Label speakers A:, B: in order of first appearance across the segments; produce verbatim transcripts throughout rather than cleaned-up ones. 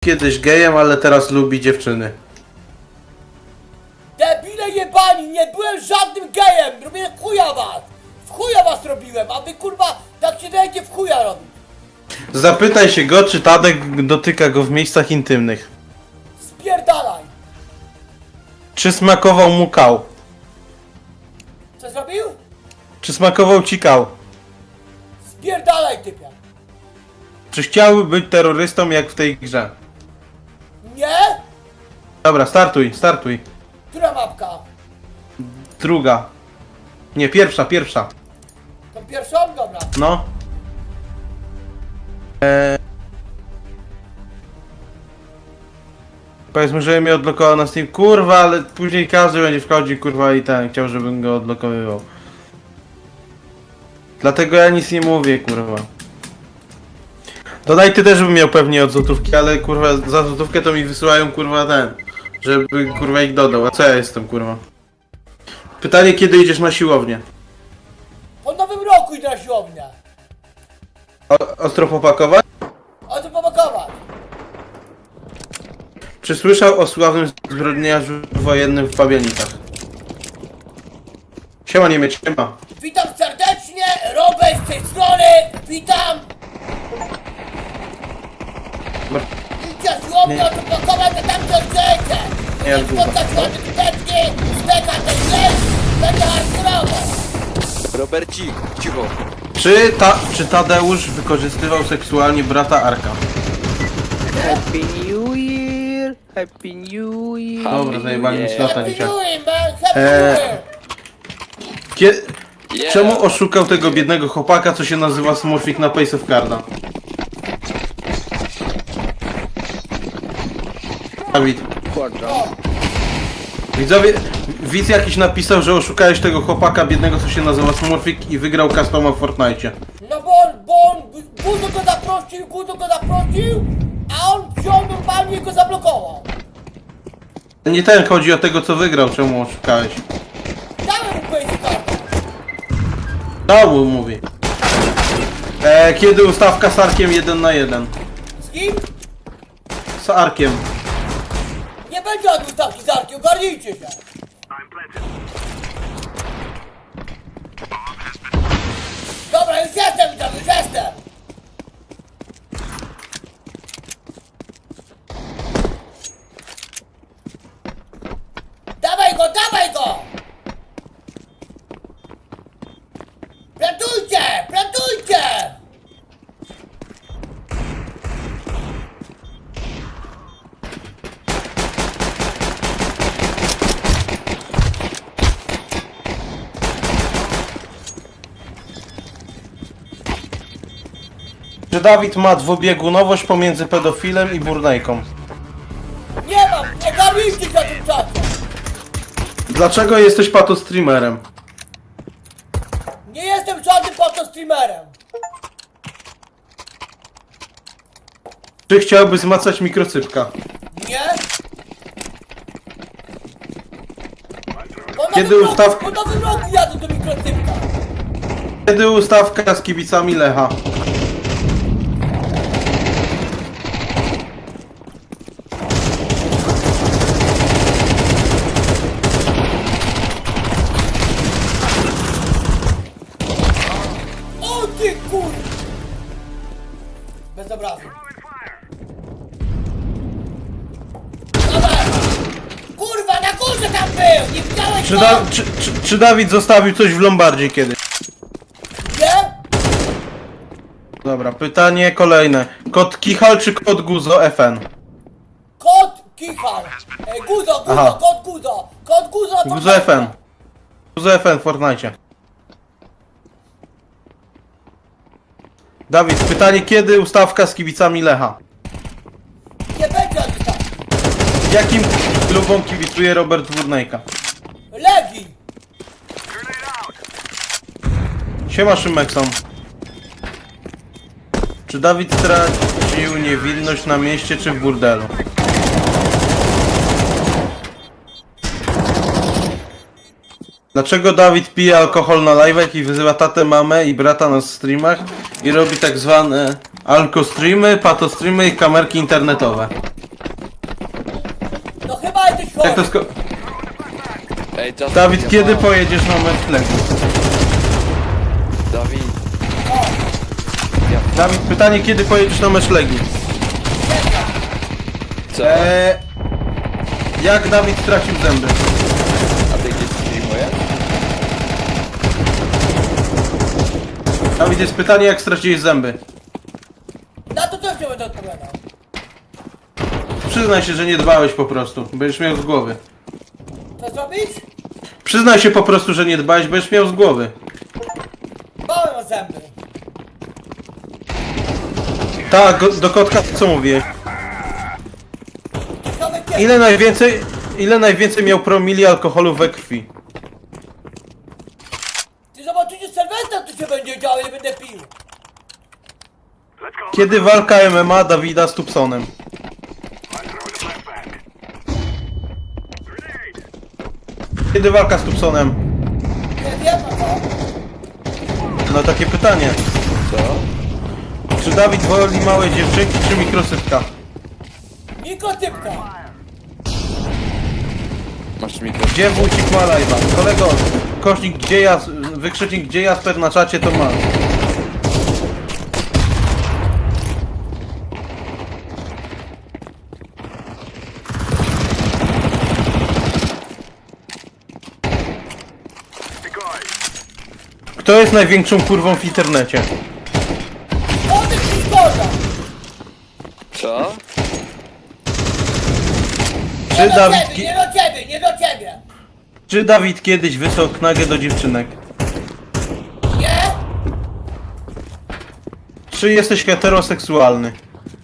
A: Kiedyś gejem, ale teraz lubi dziewczyny.
B: Debile jebani, nie byłem żadnym gejem! Robię w chuja was! W chuja was robiłem, a wy kurwa tak się dajecie w chuja robić!
A: Zapytaj się go, czy Tadek dotyka go w miejscach intymnych.
B: Spierdalaj!
A: Czy smakował mu kał?
B: Co zrobił?
A: Czy smakował ci kał?
B: Spierdalaj typia!
A: Czy chciałby być terrorystą jak w tej grze?
B: Nie?
A: Dobra, startuj, startuj.
B: Która mapka?
A: Druga. Nie, pierwsza, pierwsza.
B: Tą pierwszą? Dobra.
A: No. Eee... Powiedzmy, że mnie odblokował na Steam. Kurwa, ale później każdy będzie wchodził, kurwa, i ten chciał, żebym go odblokowywał. Dlatego ja nic nie mówię, kurwa. Dodaj ty też bym miał pewnie od złotówki, ale kurwa za złotówkę to mi wysyłają, kurwa, ten. Żeby kurwa ich dodał. A co ja jestem, kurwa? Pytanie, kiedy idziesz na siłownię?
B: Po nowym roku idę na siłownię.
A: O, ostro popakować?
B: A to pomakować.
A: Czy słyszał o sławnym zbrodniarzu wojennym w Pabianicach? Siema Niemiec, siema.
B: Witam serdecznie, Robert z tej strony, witam! Idźcie siłownię, to pakować, to tam coś chcecie!
A: Nie,
B: Nie
A: długo.
B: spotkać ładne tuteczki, steka ten flesh, będzie hardkorowo!
C: Robercik, cicho.
A: Czy, ta, czy Tadeusz wykorzystywał seksualnie brata Arka?
D: Happy New Year! Happy New Year!
A: Dobra, zajebali mi slota
B: Happy
A: dzisiaj.
B: New Year, man, happy
A: Eee.
B: New Year!
A: Kie...
C: Yeah.
A: Czemu oszukał tego biednego chłopaka, co się nazywa Smurfik na Pace of Carda? Dawid.
B: O,
A: Widzowie, widz jakiś napisał, że oszukałeś tego chłopaka biednego, co się nazywa Smurfik i wygrał customa w Fortnite.
B: no bo on, bo on, Guzo go zaprosił, Guzo go zaprosił, a on wziął normalnie i go zablokował.
A: Nie ten, chodzi o tego, co wygrał, czemu oszukałeś.
B: Dałem mu powiedzieć kartę.
A: Znowu mówi. E, kiedy ustawka z Arkiem jeden na jeden?
B: Z kim?
A: Z Arkiem.
B: Nie będzie od ustawki z Arkiem, ogarnijcie się. Dobra, już jestem tam, już jestem. Dawaj go, dawaj go! Plantujcie, plantujcie!
A: Czy Dawid ma dwubiegunowość pomiędzy pedofilem i burnejką?
B: Nie mam, ogarnijcie się na tym czasie.
A: Dlaczego jesteś patostreamerem?
B: Nie jestem żadnym fotostreamerem.
A: Czy chciałby zmacać mikrocypka?
B: Nie? Po
A: Kiedy
B: nowym
A: ustaw-
B: roku, po nowym roku jadę do mikrotypka.
A: Kiedy ustawka z kibicami Lecha?
B: O ty kur... Bez obrazu. Dawaj! Kurwa, na górze tam był! Nie widziałeś
A: Czy,
B: go?
A: da, czy, czy, czy Dawid zostawił coś w Lombardzie kiedyś?
B: Nie?
A: Dobra, pytanie kolejne. Kod Kichal czy kod Guzo F N?
B: Kot Kichal. E, Guzo, Guzo,
A: Aha.
B: kot Guzo. Kot Guzo na
A: Guzo F N. Guzo F N w Fortnite. Dawid, pytanie, kiedy ustawka z kibicami Lecha?
B: Nie będzie już tam.
A: Jakim klubom kibicuje Robert Burnejka?
B: Legi.
A: Siema Szymekson. Czy Dawid stracił niewinność na mieście czy w burdelu? Dlaczego Dawid pije alkohol na live'ach i wyzywa tatę, mamę i brata na streamach i robi tak zwane Alko streamy, pato streamy i kamerki internetowe.
B: No chyba jesteś
A: Jak to
B: chory.
A: sko...
C: Ej, Just
A: Dawid, kiedy pojedziesz na mecz Legii?
C: Dawid,
A: Dawid, pytanie, kiedy pojedziesz na mecz Legii?
C: co?
A: Eee, jak Dawid stracił zęby?
C: A ty gdzieś streamujesz?
A: Dawid, jest pytanie, jak straciłeś zęby?
B: Na to też nie będę odpowiadał.
A: Przyznaj się, że nie dbałeś po prostu, będziesz miał z głowy.
B: Co zrobić?
A: Przyznaj się po prostu, że nie dbałeś, będziesz miał z głowy.
B: Bałem o zęby.
A: Tak, go- do kotka co mówiłeś?
B: Ciekawe kiedy.
A: Ile najwięcej, ile najwięcej miał promili alkoholu we krwi?
B: Ty zobaczycie Sylwestra, co się będzie działo, ile będę pił.
A: Kiedy walka M M A Dawida z Tubsonem? Kiedy walka z Tubsonem?
B: Nie wiem, a co?
A: No takie pytanie.
C: Co?
A: Czy Dawid woli małe dziewczynki, czy mikrosypka?
B: Mikrotypka.
C: Masz mikro.
A: Gdzie wójcik ma live'a? Kolego, kośnik gdzie ja, wykrzycznik gdzie Jasper na czacie to ma. Kto jest największą kurwą w internecie?
B: Odejdź mi zgoda.
C: Co?
B: Nie
A: Czy
B: do
A: Dawid,
B: ciebie,
A: ki-
B: nie do ciebie, nie do ciebie.
A: czy Dawid kiedyś wysłał knagę do dziewczynek?
B: Nie?
A: Czy jesteś heteroseksualny?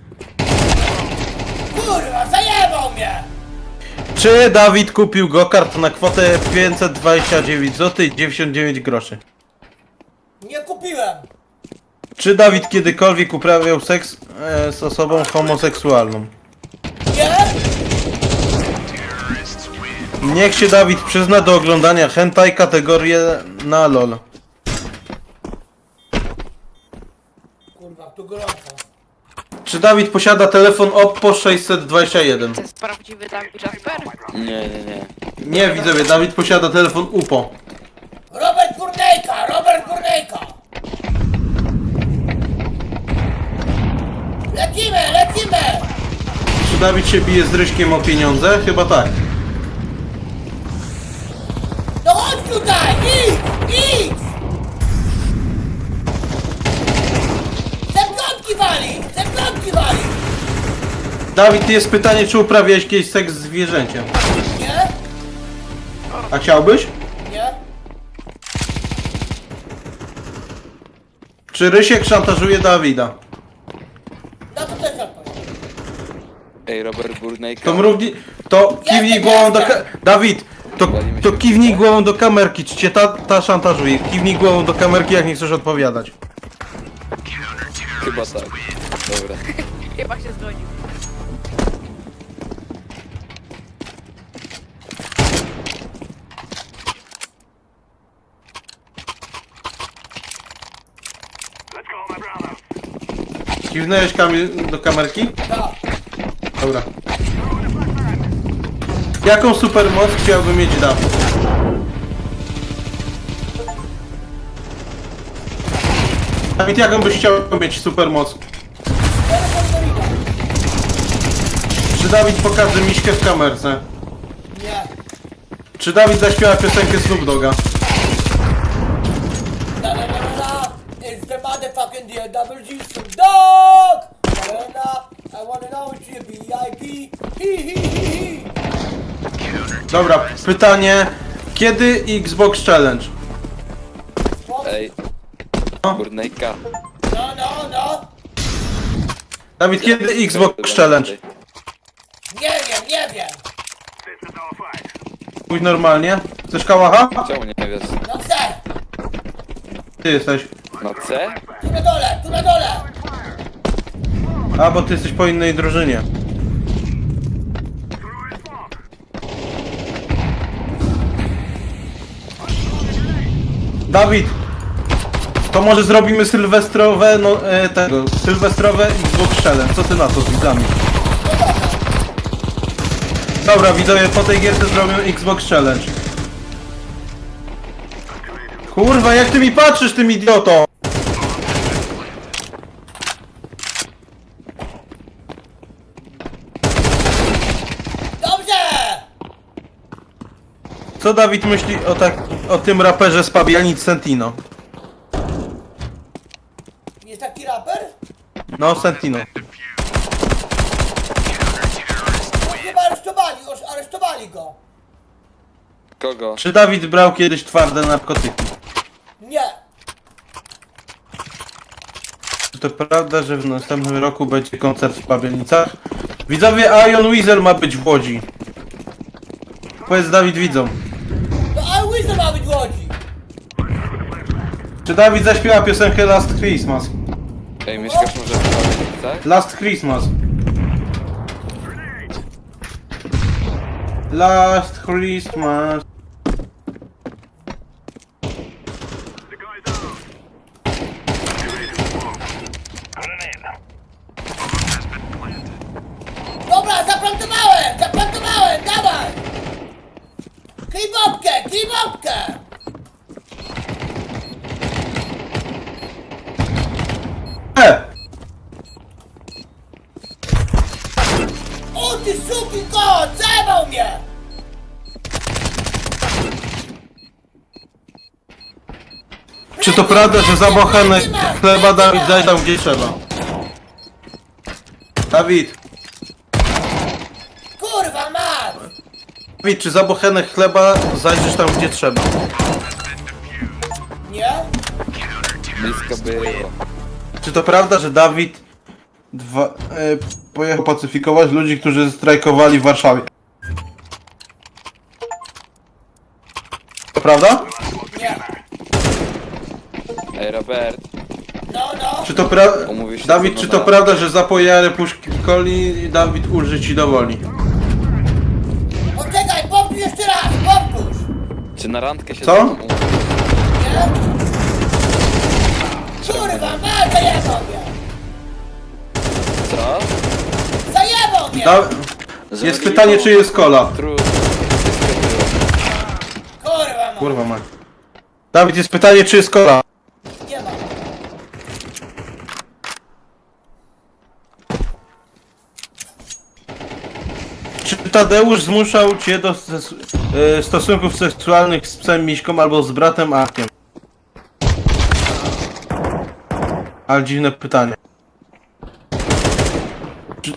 B: Kurwa, zajebał mnie.
A: Czy Dawid kupił go-kart na kwotę pięćset dwadzieścia dziewięć złotych i dziewięćdziesiąt dziewięć groszy?
B: Nie kupiłem.
A: Czy Dawid kiedykolwiek uprawiał seks e, z osobą homoseksualną?
B: Nie?
A: Niech się Dawid przyzna do oglądania hentai kategorię na LOL.
B: Kurwa, tu gorąco.
A: Czy Dawid posiada telefon Oppo sześćset dwadzieścia jeden?
E: To jest prawdziwy Dawid Jasper?
C: Nie, nie, nie.
A: Nie widzowie, Dawid posiada telefon UPO.
B: Robert Gurnejka, Robert Gurnejka. Lecimy, lecimy.
A: Czy Dawid się bije z Ryśkiem o pieniądze? Chyba tak.
B: No chodź tutaj, idź, idź. Zemknątki wali, zemknątki wali.
A: Dawid, jest pytanie, czy uprawiałeś kiedyś seks z zwierzęciem?
B: Nie?
A: A chciałbyś?
B: Nie?
A: Czy Rysiek szantażuje Dawida?
B: Na to też odpowiem.
C: Ej, Robert Burnejka.
A: To mrówni... To kiwnij głową do ka... Dawid! To, to kiwnij głową do kamerki, czy cię ta, ta szantażuje? Kiwnij głową do kamerki, jak nie chcesz odpowiadać.
C: Chyba tak. Dobra.
E: Chyba się zgodził.
A: Kiwnąłeś Kamil do kamerki?
B: Tak.
A: Dobra. Jaką supermoc chciałby mieć Dawid? Dawid, jaką byś chciał mieć supermoc?
B: Telefon do Rida.
A: Czy Dawid pokaże miśkę w kamerce?
B: Nie.
A: Czy Dawid zaśpiewa piosenkę Snoop Dogga?
B: La la la la la. It's the motherfucking D W G Snoop Dogg. La la la. I wanna know what you B I P. Hi hi hi hi.
A: Dobra, pytanie. Kiedy Xbox Challenge?
C: Ej.
A: No.
C: Burnejka.
B: No, no, no.
A: Dawid, kiedy Xbox Challenge?
B: Nie wiem, nie wiem.
A: Pójdź normalnie. Chcesz kałacha?
C: Czemu nie wiesz?
B: No chcę.
A: Ty jesteś.
C: Na C?
B: Tu na dole, tu na dole.
A: A, bo ty jesteś po innej drużynie. Dawid! To może zrobimy sylwestrowe, no e, tego, sylwestrowe Xbox Challenge. Co ty na to z widzami? Dobra, widzowie, po tej gierce zrobią Xbox Challenge. Kurwa, jak ty mi patrzysz, tym idioto!
B: Dobrze!
A: Co Dawid myśli o, tak, o tym raperze z Pabianic Sentino?
B: Jest taki raper?
A: No, Sentino.
B: No chyba aresztowali, już aresztowali go.
C: Kogo?
A: Czy Dawid brał kiedyś twarde narkotyki?
B: Nie.
A: Czy to prawda, że w następnym roku będzie koncert w Pabianicach? Widzowie, Ion Weasel ma być w Łodzi. Powiedz Dawid widzom.
B: No a Łyza ma być w Łodzi.
A: Czy Dawid zaśpiewa piosenkę Last Christmas?
C: Ej, mieszkasz może w Pawełnicach, tak?
A: Last Christmas. Last Christmas.
B: Dobra, zaplantowałem, zaplantowałem, dawaj! Klij bobkę, klij bobkę!
A: E!
B: O ty suki kot, zajebał mnie!
A: Czy to prawda, że za bochenek chleba Dawid daje tam gdzie trzeba? Dawid,
B: Kurwa mać!
A: Dawid, czy za bochenek chleba zajdziesz tam gdzie trzeba?
B: Nie?
C: Blisko było.
A: Czy to prawda, że Dawid dwa, e, pojechał pacyfikować ludzi, którzy strajkowali w Warszawie? To prawda?
B: Nie.
C: Ej, Robert,
B: No, no.
A: Czy to prawda?
C: Umówisz się
A: Dawid,
C: ze mną
A: czy to
C: na-
A: prawda, że za pojarę puszki coli Dawid ulży ci do woli?
B: Poczekaj, powtórz jeszcze raz, powtórz!
C: czy na randkę się
A: Co?
C: ze mną umówisz?
B: Nie? Kurwa mać, zajebał mnie!
C: Co?
B: Zajebał mnie!
A: Da jest pytanie, czy jest kola?
C: Trudno. Blisko było.
B: Kurwa mać,
A: Kurwa ma. Dawid, jest pytanie, czy jest kola?
B: nie ma.
A: Czy Tadeusz zmuszał cię do stes- e, stosunków seksualnych z psem Miśką albo z bratem Arkiem? Ale dziwne pytanie. Czy...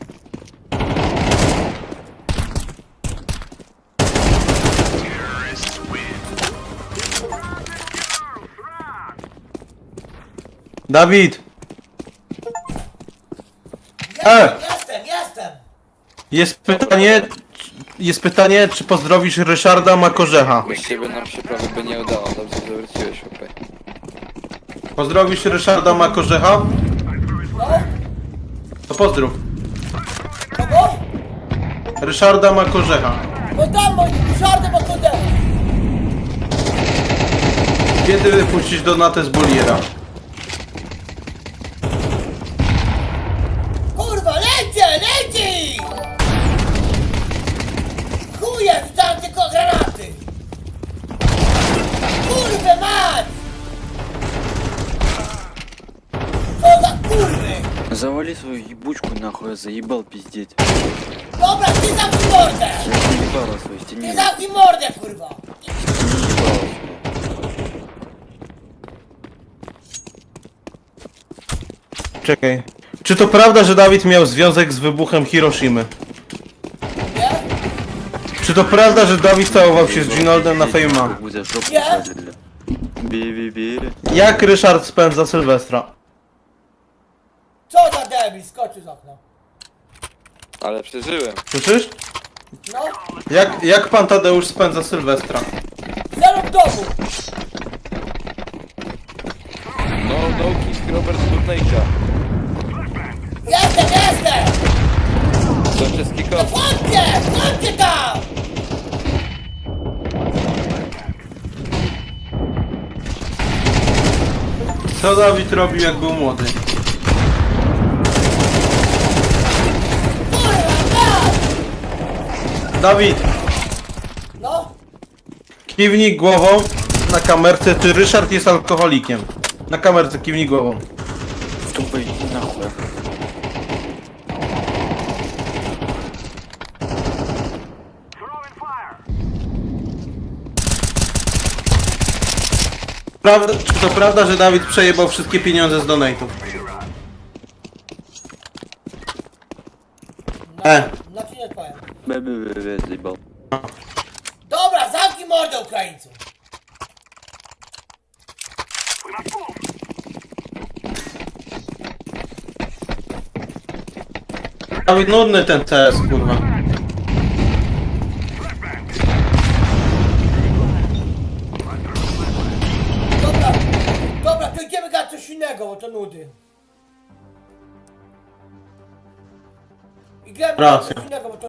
A: Dawid! E!
B: Jestem, jestem, jestem!
A: Jest pytanie, jest pytanie, czy pozdrowisz Ryszarda Makorzecha?
C: Bez ciebie nam się prawie by nie udało. Dobrze zawróciłeś, chłopie.
A: Pozdrowisz Ryszarda Makorzecha?
B: No?
A: To pozdrów.
B: Kogo?
A: Ryszarda Makorzecha.
B: Bo tam mój szardy po kudem!
A: Kiedy wypuścić Donatę z Boliera?
B: Kurwa, lecie, leci! Chuje, wstałem tylko granaty! Kurwę mać! Co za kurwy!
D: Завали свою ебучку нахуй, я заебал пиздеть.
B: Dobra, ty zamknij mordę!
D: Я заебала свою
B: Ty
D: стене.
B: zamknij mordę, kurwa!
A: Czekaj. Czy to prawda, że Dawid miał związek z wybuchem Hiroshimy?
B: Nie?
A: Czy to prawda, że Dawid całował się z Ginoldem na Fejma?
D: За жопу
B: Я?
D: посадили. Би-би-би.
A: Jak Ryszard spędza Sylwestra?
B: Co za debil, skoczył z okna.
C: Ale przeżyłem.
A: Słyszysz?
B: No,
A: Jak, jak pan Tadeusz spędza Sylwestra?
B: zero w domu!
C: No, no kick Robert Burnejka.
B: Jestem, jestem!
C: To przez
B: No
C: kickoff.
B: wchodźcie, wchodźcie tam!
A: Co Dawid robił jak był młody? Dawid,
B: No,
A: kiwnij głową na kamerce, czy Ryszard jest alkoholikiem. Na kamerce kiwnij głową.
D: Тупо иди нахуй.
A: Prawda, czy to prawda, że Dawid przejebał wszystkie pieniądze z donate'ów? E,
B: na ci nie powiem.
D: Бе-бе-бе-бе, заебал.
B: Dobra, zamknij mordę, Ukraińcu.
A: Dawid, nudny ten C S, kurwa.
B: Dobra, dobra, to idziemy gadać coś innego, bo to nudy. I gramy
A: Racja.
B: coś innego, bo to